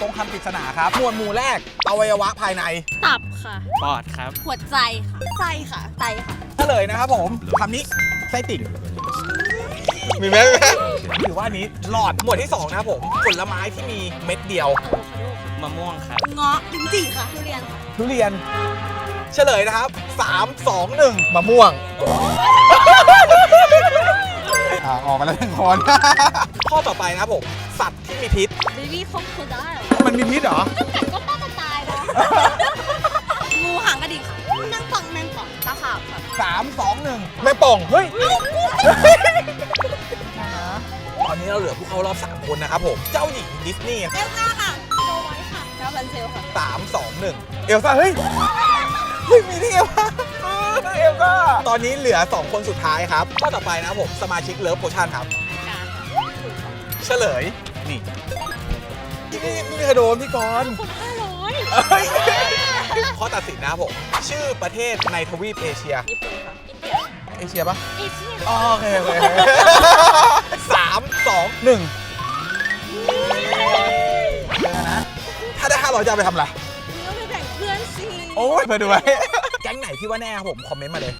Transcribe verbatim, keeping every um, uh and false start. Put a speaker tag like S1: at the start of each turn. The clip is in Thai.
S1: ตรงคำปริศนาครับหมวดหมู่แรกอวัยวะภายใน
S2: ตับค่ะ
S3: ปอดครับ
S2: หัวใจค่ะไส้ค่ะไตค่ะ
S1: เฉลยนะครับผมคำนี้ไส้ติ่งมีไหมถือว่าอันนี้หลอดหมวดที่สองนะครับผมผลไม้ที่มีเม็ดเดียว
S3: มะม่วงครับ
S2: เงาะลิ้นจี่ค่ะทุเรียนค่ะ
S1: ทุเรียนเฉลยนะครับสาม สอง หนึ่งมะม่วงอ่าออกมาแล้วหนึ่งคน ข้อต่อไปนะครับผมสัตว์ที่มีพิษ
S2: เบบี้คอมโคได้เหรอ
S1: มันมีพิษเหรอ
S2: กัดก็ป้าจะตายนะงูหางกระดิ่งค่ะแมงป่องแมงป่องตาขาวค่ะ
S1: สาม สอง หนึ่งแม่ป่องเฮ้ยตอนนี้เราเหลือผู้เข้ารอบสามคนนะครับผมเจ้าหญิงดิสนีย์
S2: เอลซ่าค่ะโดไว้ค่ะเจ้าบันเซลค่ะ
S1: สาม สอง หนึ่งเอลซ่าเฮ้ยเฮ้ยมีที่เอลซ่าเอลซ่าตอนนี้เหลือสองคนสุดท้ายครับข้อต่อไปนะครับผมสมาชิกเลิฟโพชั่นครับ
S2: การค่ะ
S1: เฉลย นี่นี่นี่กระโดนพี่กรณ์
S2: คนห้าร้อย
S1: เอ้ยข้อตัดสินนะครับผม ชื่อประเทศในทวีปเอเชีย
S2: ญี่ปุ่นค่ะอินเดีย
S1: เอเชียปะ
S2: เอเชีย
S1: อ๋อโอเคโอเคสามสองหนึ่งเจอนะ ถ้าได้ห้าร้อยจะเอาไปทำอะไร
S2: นี่ก็ไปแบ่งเพื่อนสิ
S1: โอ้ยเพื่อดูไว้แก๊งไหนที่ว่าแน่ครับผม คอมเมนต์มาเลย